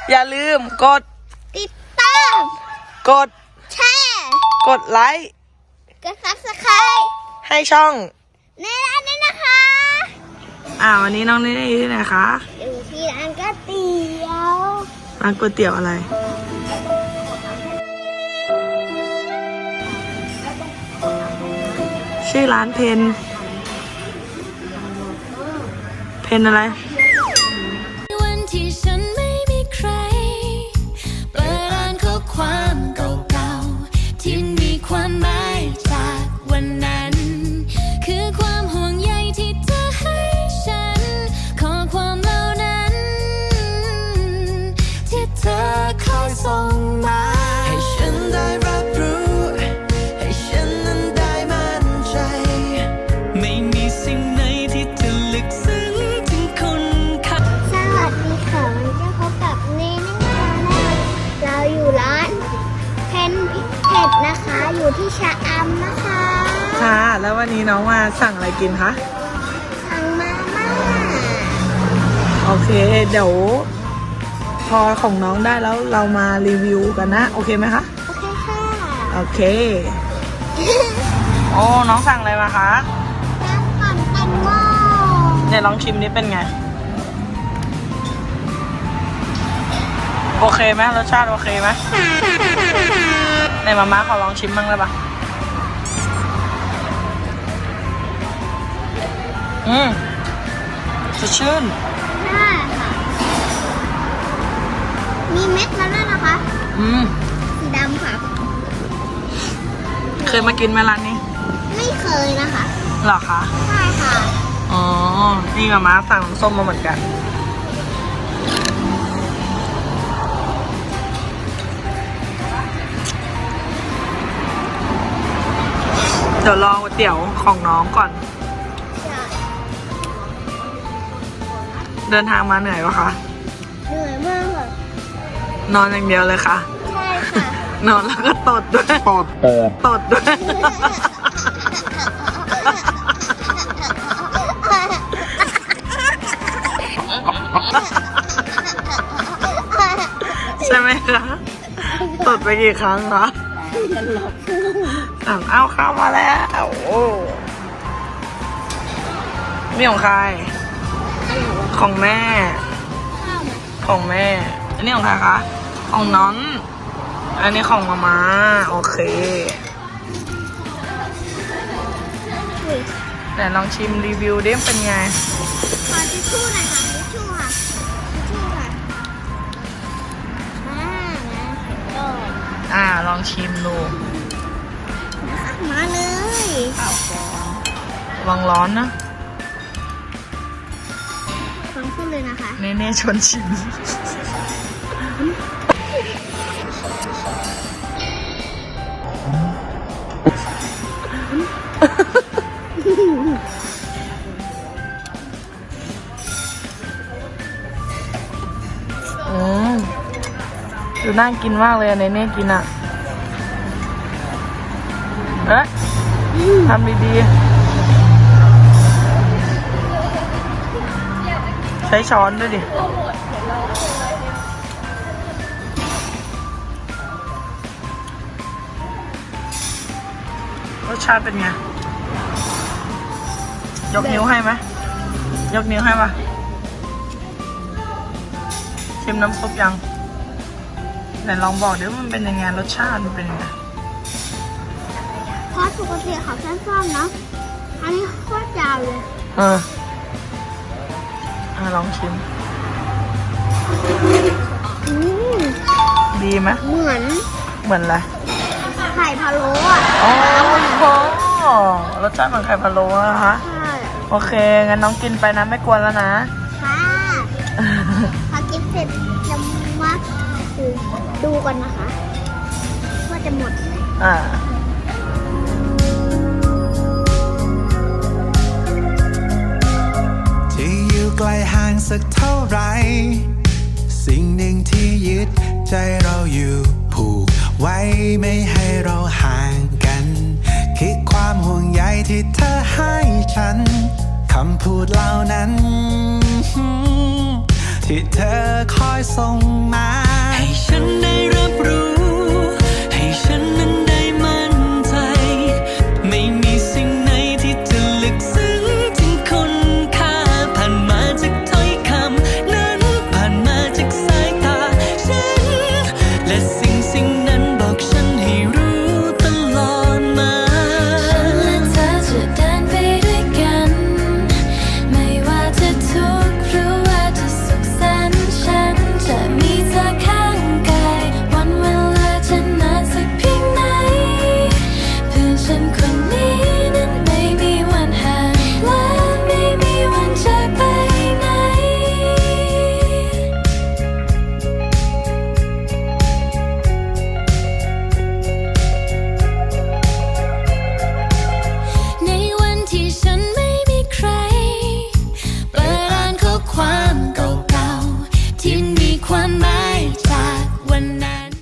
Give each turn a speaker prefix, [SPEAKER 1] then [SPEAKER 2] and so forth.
[SPEAKER 1] อย่าลืมกด
[SPEAKER 2] ติดตาม
[SPEAKER 1] กด
[SPEAKER 2] แชร์
[SPEAKER 1] กดไลค์
[SPEAKER 2] กด Subscribe
[SPEAKER 1] ให้ช่อง
[SPEAKER 2] ในร้านนี้นะคะ
[SPEAKER 1] วันนี้น้องนี่อยู่ที่ไหนคะ
[SPEAKER 2] อยู่ที่ร้านก๋วยเตี๋ยว
[SPEAKER 1] ร้านก๋วยเตี๋ยวอะไรชื่อร้านเพนอะไร
[SPEAKER 3] วันที่ฉันไม่มีใครเปิดอ่านข้อความเก่าๆที่มีความหมายจากวันนั้นคือความห่วงใยที่เธอให้ฉันข้อความเหล่านั้นที่เธอคอยส่งมาให้ฉันได้รับรู้ให้ฉันนั้นได้มั่นใจไม่มีสิ่งไหนที่จะลึกซึ้งถึงคุณค่า
[SPEAKER 2] สวัสดีค่ะวันนี้พบกับเนเน่ชาแนลเราอยู่ร้านเพนพิเผ็ดนะคะ อยู่ที่ชะอำนะคะ
[SPEAKER 1] ค่ะแล้ววันนี้น้องมาสั่งอะไรกินคะ
[SPEAKER 2] สั่งมาม่า
[SPEAKER 1] โอเคเดี๋ยวพอของน้องได้แล้วเรามารีวิวกันนะโอเคไหมคะ
[SPEAKER 2] โอเคค่ะ
[SPEAKER 1] โอเค โอ้น้องสั่งอะไรมาคะ
[SPEAKER 2] น้ำปั่นแตงโม
[SPEAKER 1] เนี่ยลองชิมนี้เป็นไงโอเคไหมรสชาติโอเคไหมในมาม่าขอลองชิมบ้างได้ปะสดชื่น
[SPEAKER 2] ใช่ค่ะมีเม็ดแล้วนะคะสีดำค่ะ
[SPEAKER 1] เคยมากินไหมร้านนี้
[SPEAKER 2] ไม่เคยนะคะ
[SPEAKER 1] หรอคะ
[SPEAKER 2] ใช่ค่ะ
[SPEAKER 1] อ๋อนี่มาม่าสั่งน้ำส้มมาเหมือนกันเดี๋ยวรอก๋วยเตี๋ยวของน้องก่อนเดินทางมาเหนื่อยปะคะ
[SPEAKER 2] เหนื่อยมากค่ะ
[SPEAKER 1] นอนอย่างเดียวเลยค่ะ
[SPEAKER 2] ใช่ค่ะ
[SPEAKER 1] นอนแล้วก็ตดด้วยตดด้วยใช่ไหมคะตดไปกี่ครั้งคะสั่งเอาข้าวมาแล้วโอ้นี่ของใครของแม่ของแม่อันนี้ของใครคะของน้องอันนี้ของมาม่าโอเคแต่ลองชิมรีวิวดิเป็นไง
[SPEAKER 2] ขอทิชชู่หน่อยค่ะทิชชู่ค่ะทิชชู่ค่ะ
[SPEAKER 1] ลองชิมดู
[SPEAKER 2] มาเลย
[SPEAKER 1] ลองร้อนนะ
[SPEAKER 2] ฟังขึ้นเลยนะคะ
[SPEAKER 1] เน่ชวนชิมดูน่ากินมากเลยเน่กินอ่ะทำดีๆใช้ช้อนด้วยดิรสชาติเป็นไงยกนิ้วให้ไหมยกนิ้วให้ป่ะชิมน้ำซุปยังไหนลองบอกเดี๋ยวมันเป็นยังไงรสชาติมันเป็นยังไง
[SPEAKER 2] เพราะปกติเขาสั้นๆนะอันนี้โคตรยาวเลย
[SPEAKER 1] ลองชิมดีไหม
[SPEAKER 2] เหมือน
[SPEAKER 1] อะไร
[SPEAKER 2] ไข่พะโล้อ่ะ
[SPEAKER 1] รสชาติเหมือนไข่พะโล้อะคะ
[SPEAKER 2] ใช่
[SPEAKER 1] โอเคงั้นน้องกินไปนะไม่กวนแล้วนะ
[SPEAKER 2] ค่ะพอกินเสร็จจะมาดูกันนะคะว่าจะหมดไหม
[SPEAKER 4] ที่อยู่ไกลห่างสักเท่าไรสิ่งหนึ่งที่ยึดใจเราอยู่ผูกไว้ไม่ให้เราห่างกันคือความห่วงใยที่เธอให้ฉันคำพูดเหล่านั้นที่เธอคอยส่งมา